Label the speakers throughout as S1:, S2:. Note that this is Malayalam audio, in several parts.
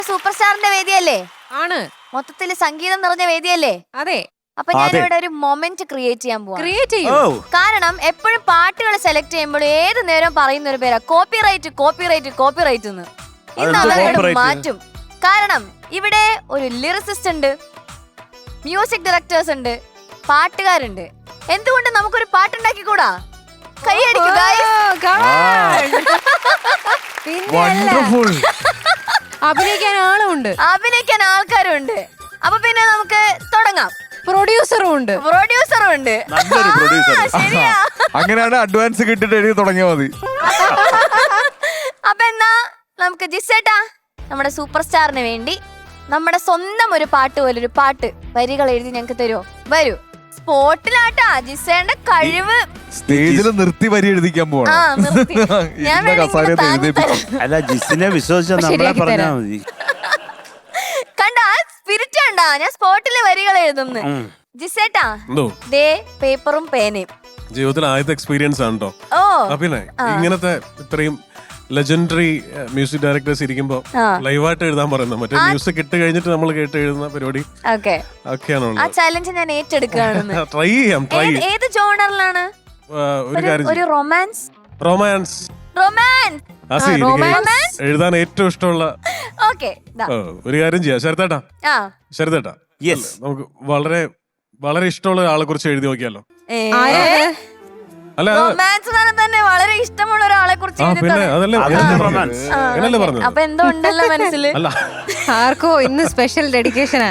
S1: സൂപ്പർ സ്റ്റാറിന്റെ വേദിയല്ലേ?
S2: ആണ്.
S1: മൊത്തത്തില് സംഗീതം നിറഞ്ഞ വേദിയല്ലേ?
S2: അതെ.
S1: അപ്പൊ ഞാനിവിടെ ഒരു മൊമെന്റ് ക്രിയേറ്റ് ചെയ്യാൻ പോവാ.
S2: ക്രിയേറ്റ് ചെയ്യും.
S1: കാരണം എപ്പോഴും പാട്ടുകൾ സെലക്ട് ചെയ്യുമ്പോൾ ഏത് നേരം പറയുന്ന ഒരു പേരാ കോപ്പിറൈറ്റ് കോപ്പിറൈറ്റ് കോപ്പിറൈറ്റ് എന്ന്. ഇന്ന് അതങ്ങോട്ട് മാറ്റും. കാരണം ഇവിടെ ഒരു ലിറിസിസ്റ്റ് ഉണ്ട്, മ്യൂസിക് ഡയറക്ടേഴ്സ് ഉണ്ട്, പാട്ടുകാരുണ്ട്. എന്തുകൊണ്ട് നമുക്കൊരു പാട്ടുണ്ടാക്കിക്കൂടാ? കൈയടിക്കുക.
S2: അഭിനയിക്കാൻ ആളുണ്ട്,
S1: അഭിനയിക്കാൻ ആൾക്കാരുണ്ട്. അപ്പൊ പിന്നെ നമുക്ക് തുടങ്ങാം.
S2: പ്രൊഡ്യൂസറും ഉണ്ട്.
S1: ശരിയാ.
S3: അങ്ങനെയാണ് അഡ്വാൻസ് കിട്ടിട്ട് എഴുതി തുടങ്ങിയാൽ മതി.
S1: അപ്പൊ എന്നാ നമുക്ക് ജിസേട്ടാ നമ്മുടെ സൂപ്പർ സ്റ്റാറിന് വേണ്ടി നമ്മുടെ സ്വന്തം ഒരു പാട്ട് പോലെ ഒരു പാട്ട് വരികൾ എഴുതി ഞങ്ങക്ക് തരുമോ? വരൂ. സ്പോട്ടിലാട്ടാ ജിസേന്റെ കഴിവ്.
S3: സ്റ്റേജിൽ നിർത്തി വരി എഴുതിക്കാൻ പോവാ.
S1: ഞാൻ
S4: അല്ല, ജിസിനെ വിശ്വസിച്ച നമ്മളെ പറഞ്ഞാ മതി.
S1: കണ്ടാ സ്പിരിറ്റ് കണ്ടാ? ഞാൻ സ്പോട്ടില് വരികൾ എഴുതുന്നു. ജിസേട്ടാ ദേ പേപ്പറും പേനയും.
S5: ജീവിതത്തിൽ ആദ്യത്തെ എക്സ്പീരിയൻസ് ആണ് കേട്ടോ.
S1: ഓ
S5: പിന്നെ ഇങ്ങനത്തെ ഇത്രയും ലെജൻഡറി മ്യൂസിക് ഡയറക്ടേഴ്സ് ഇരിക്കുമ്പോ ലൈവായിട്ട് എഴുതാൻ പറയുന്നത്, മറ്റേ മ്യൂസിക് ഇട്ട് കഴിഞ്ഞിട്ട് നമ്മൾ കേട്ട് എഴുതുന്ന പരിപാടി ഒക്കെയാണ്.
S1: ആ ചാലഞ്ച് ഞാൻ ഏറ്റെടുക്കുകയാണ്.
S5: ട്രൈ ചെയ്യാം.
S1: ഏത് ജോണറിലാണ്? ഒരു റൊമാൻസ്.
S5: റൊമാൻസ് എഴുതാൻ ഏറ്റവും ഇഷ്ടമുള്ള ഒരു കാര്യം ചെയ്യാം. ശരത്തേട്ടാ നമുക്ക് വളരെ വളരെ ഇഷ്ടമുള്ള ഒരാളെ കുറിച്ച് എഴുതി നോക്കിയാലോ? അല്ല,
S1: തന്നെ വളരെ ഇഷ്ടമുള്ള ഒരാളെ കുറിച്ച്
S5: പിന്നെ അതല്ലേ പറഞ്ഞു.
S1: അപ്പൊ എന്തോ ഉണ്ടല്ലോ മനസ്സിൽ.
S2: ആർക്കോ ഇന്ന് സ്പെഷ്യൽ ഡെഡിക്കേഷനാ.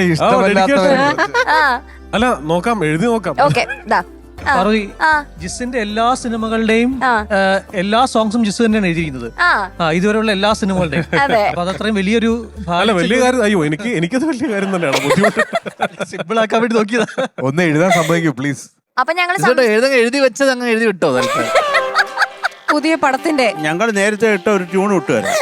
S5: അല്ല, നോക്കാം, എഴുതി നോക്കാം.
S6: ജിസിന്റെ എല്ലാ സിനിമകളുടെയും എല്ലാ സോങ്സും ജിസ് തന്നെയാണ് എഴുതിയിരിക്കുന്നത്, ഇതുവരെയുള്ള എല്ലാ സിനിമകളുടെയും. അപ്പൊ അതത്രയും വലിയൊരു
S5: വലിയ കാര്യം. അയ്യോ, എനിക്കത് വലിയ കാര്യം തന്നെയാണ്. ബുദ്ധിമുട്ട്
S6: സിമ്പിൾ ആക്കാൻ വേണ്ടി നോക്കിയതാ.
S3: ഒന്ന് എഴുതാൻ സമ്മതിക്കൂ പ്ലീസ്.
S1: അപ്പൊ ഞങ്ങൾ
S4: എഴുതി വെച്ചത് അങ്ങ് എഴുതി വിട്ടോ?
S2: പുതിയ പടത്തിന്റെ
S4: ഞങ്ങൾ നേരത്തെ ഇട്ട ഒരു ട്യൂൺ വിട്ടുവരാം.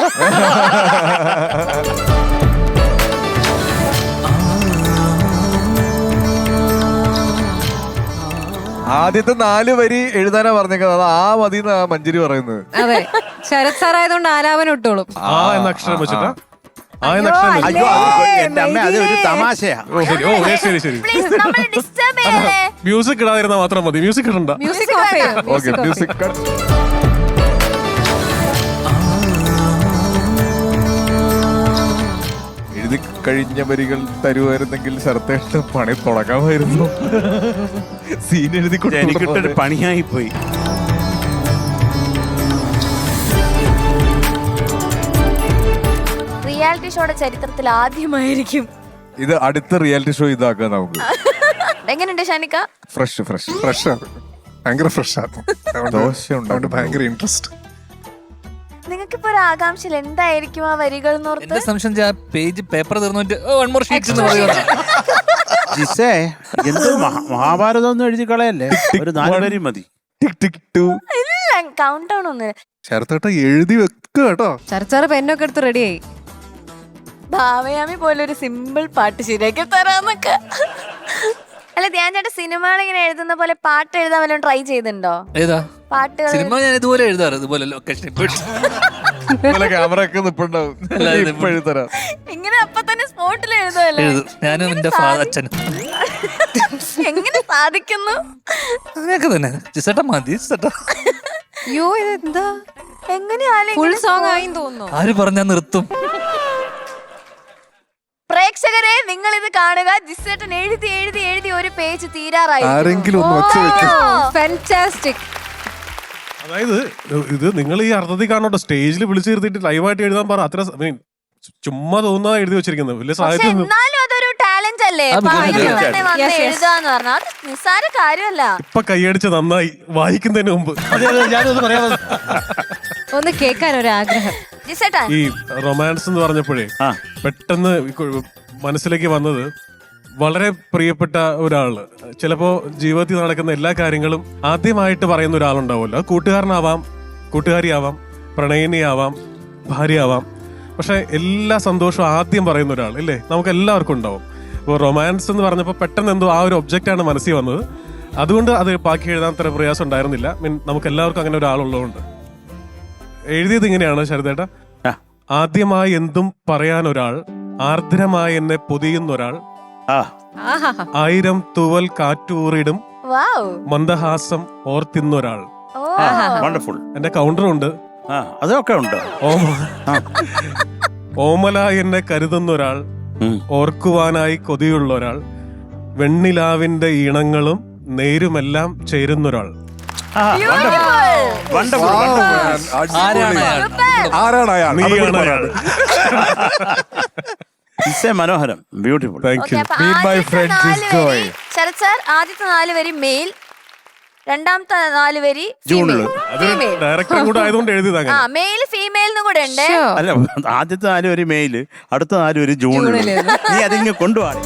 S3: ആദ്യത്തെ 4 വരി എഴുതാനാ പറഞ്ഞേക്കുന്നത്. അത് ആ മതി മഞ്ജരി പറയുന്നത്.
S2: അതെ, ശരത് സാർ ആയതുകൊണ്ട് ആലാപനം ഇട്ടോളും.
S5: ആ എന്ന അക്ഷരം വെച്ചിട്ടാ.
S4: എന്റെ അമ്മ, അത് ഒരു തമാശയാ.
S5: ശരി. മ്യൂസിക് ഇടാതിരുന്നാ മാത്രം മതി. മ്യൂസിക് ഇടണ്ട.
S2: മ്യൂസിക് ഓഫ് ചെയ്യും.
S3: Okay, music cut. എഴുതി കഴിഞ്ഞ വരികൾ തരുമായിരുന്നെങ്കിൽ ശരത്തേട്ട് പണി തുടങ്ങാമായിരുന്നു. സീൻ എഴുതി
S4: എനിക്കിട്ടൊരു പണിയായി പോയി.
S1: റിയാലിറ്റി ഷോയുടെ ചരിത്രത്തിൽ ആദ്യമായിരിക്കും
S3: ഇത്. അടുത്ത റിയാലിറ്റി ഷോ ഇതാക്കാം നമുക്ക്.
S1: എങ്ങനെയുണ്ട് ഷാനിക്ക?
S3: ഫ്രഷ് ഭയങ്കര ഫ്രഷ് ആണ്. ദോശ ഉണ്ട്, ഭയങ്കര ഇൻട്രസ്റ്റ്.
S1: നിങ്ങൾക്കിപ്പോ ഒരു ആകാംക്ഷ എന്തായിരിക്കും ആ വരികൾ?
S7: എന്റെ സംശയം പേജ് പേപ്പർ തീർന്നിട്ട്
S4: ജിസേ, എന്ത് മഹാഭാരതം ഒന്നും എഴുതി കളയല്ലേ, ഒരു 4 വരി മതി.
S1: കൗണ്ട് ഡൗൺ ഒന്ന്
S3: ശരത്തേട്ട എഴുതി വെക്കുക കേട്ടോ.
S2: ചർച്ചാറ് പെന്നൊക്കെ എടുത്ത് റെഡിയായി.
S1: ഭാവയാമി പോലെ ഒരു സിമ്പിൾ പാട്ട് ശരിയാക്കി തരാന്നൊക്കെ. അല്ല, ധ്യാൻ ചേട്ടാ സിനിമകൾ ഇങ്ങനെ എഴുതുന്ന പോലെ പാട്ട് എഴുതാൻ വല്ലതും ട്രൈ ചെയ്തിട്ടുണ്ടോ?
S7: ഏതാ
S1: പാട്ടുകൾ?
S7: സിനിമ ഞാൻ ഇതുപോലെ എഴുതാറ്, ഇതുപോലെ ലൊക്കേഷൻ
S3: ക്യാമറ ഒക്കെ നിപ്പുണ്ടാവും.
S1: ഇങ്ങനെ അപ്പൊ തന്നെ സ്പോട്ടിൽ എഴുതുമല്ലോ.
S7: ഞാനും എന്റെ അച്ഛനും.
S1: എങ്ങനെ സാധിക്കുന്നു?
S7: അങ്ങനെയൊക്കെ തന്നെ. ജിസേട്ടാ മതി.
S2: അയ്യോ, ഇതെന്താ
S1: എങ്ങനെയാലും
S2: ഫുൾ സോങ് ആയി തോന്നുന്നു.
S7: ആര് പറഞ്ഞാ നിർത്തും?
S1: പ്രേക്ഷകരെ, നിങ്ങൾ ഇത് കാണുക. ജിസേട്ടൻ എഴുതി എഴുതി എഴുതി ഒരു പേജ് തീരാറായി.
S2: ഫാന്റാസ്റ്റിക്.
S5: അതായത് ഇത് നിങ്ങൾ ഈ അർത്ഥത്തിൽ കാണോട്ടോ. സ്റ്റേജിൽ വിളിച്ചു നിർത്തിയിട്ട് ലൈവായിട്ട് എഴുതാൻ പറ. അത്ര ചുമ്മാ തോന്നാ എഴുതി വെച്ചിരിക്കുന്നത്. വലിയ സാഹിത്യം.
S1: എന്നാലും അതൊരു ടാലന്റ് അല്ലേ? എഴുതാന്ന് പറഞ്ഞാൽ അത് നിസ്സാര കാര്യമല്ല.
S5: ഇപ്പൊ കൈയടിച്ച് നന്നായി, വായിക്കുന്നതിന് മുമ്പ്.
S6: ഞാനൊന്ന് പറയാ,
S2: ഒന്ന് കേൾക്കാൻ ഒരു ആഗ്രഹം.
S5: ഈ റൊമാൻസ് എന്ന് പറഞ്ഞപ്പോഴേ പെട്ടെന്ന് മനസ്സിലേക്ക് വന്നത് വളരെ പ്രിയപ്പെട്ട ഒരാള്, ചിലപ്പോ ജീവിതത്തിൽ നടക്കുന്ന എല്ലാ കാര്യങ്ങളും ആദ്യമായിട്ട് പറയുന്ന ഒരാളുണ്ടാവുമല്ലോ. കൂട്ടുകാരനാവാം, കൂട്ടുകാരിയാവാം, പ്രണയിനിയാവാം, ഭാര്യയാവാം. പക്ഷെ എല്ലാ സന്തോഷവും ആദ്യം പറയുന്ന ഒരാൾ ഇല്ലേ, നമുക്ക് എല്ലാവർക്കും ഉണ്ടാവും. അപ്പോൾ റൊമാൻസ് എന്ന് പറഞ്ഞപ്പോൾ പെട്ടെന്ന് എന്തോ ആ ഒരു ഒബ്ജക്റ്റാണ് മനസ്സിൽ വന്നത്. അതുകൊണ്ട് അത് ബാക്കി എഴുതാൻ അത്ര പ്രയാസം ഉണ്ടായിരുന്നില്ല. നമുക്ക് എല്ലാവർക്കും അങ്ങനെ ഒരാളുള്ളതുകൊണ്ട്. എഴുതിയത് ഇങ്ങനെയാണ് ശരതേട്ടാ. ആദ്യമായി എന്തും പറയാൻ ഒരാൾ, ആർദ്രമായി എന്നെ പൊതിയുന്നൊരാൾ,
S4: ആ
S2: ആഹാ
S5: 1000 തൂവൽ കാറ്റൂറിടും
S1: വൗ.
S5: മന്ദഹാസം ഓർത്തിന്നൊരാൾ.
S1: ഓ.
S4: വണ്ടർഫുൾ.
S5: എന്റെ കൗണ്ടറുണ്ട്.
S4: ആ അതൊക്കെ ഉണ്ട്.
S5: ഓമല എന്നെ കരുതുന്നൊരാൾ, ഓർക്കുവാനായി കൊതിയുള്ള ഒരാൾ, വെണ്ണിലാവിന്റെ ഈണങ്ങളും നേരുമെല്ലാം ചേരുന്നൊരാൾ.
S4: വണ്ടർഫുൾ.
S7: ആരാണ് അയാൾ?
S3: ആരാണ് അയാൾ?
S5: നീയാണ് അയാൾ.
S4: മനോഹരം, ബ്യൂട്ടിഫുൾ.
S5: Thank
S1: Okay,
S5: you.
S1: അപ്പൊ
S3: Meet my
S1: ആദ്യത്തെ
S3: friend
S1: 4
S3: is joy.
S1: വരി ശരത് സാർ, ആദ്യത്തെ 4 വരി മെയിൽ, രണ്ടാമത്തെ 4 വരി
S4: ജൂണില്.
S5: അത് ഡയറക്ടർ കൂടെ ആയതുകൊണ്ട് എഴുതിയതാ.
S1: ആ മെയിൽ ഫീമെയിൽ കൂടെ ഉണ്ട്.
S4: അല്ല, ആദ്യത്തെ 4 ഒരു മെയില്, അടുത്ത 4 ഒരു ജൂണില്. നീ അതിങ്ങ് കൊണ്ടുപോവാ.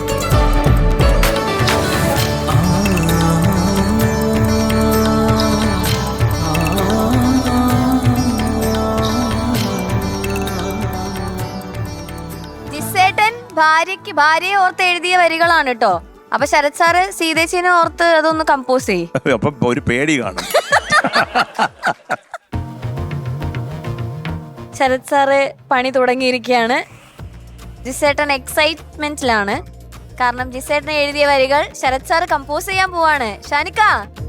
S1: ജിസേട്ടൻ ഭാര്യയെ ഓർത്ത് എഴുതിയ വരികളാണ് കേട്ടോ. അപ്പൊ ശരത് സാറ് സീതേച്ചിനെ ഓർത്ത് അതൊന്ന് കമ്പോസ് ചെയ്യും.
S4: അപ്പൊ ഒരു പേടി കാണും.
S1: ശരത് സാറ് പണി തുടങ്ങിയിരിക്കുകയാണ്. ജിസേട്ടൻ എക്സൈറ്റ്മെന്റിലാണ്. കാരണം ജിസേട്ടൻ എഴുതിയ വരികൾ ശരത് സാറ് കമ്പോസ് ചെയ്യാൻ പോവാണ്. ഷാനിക്ക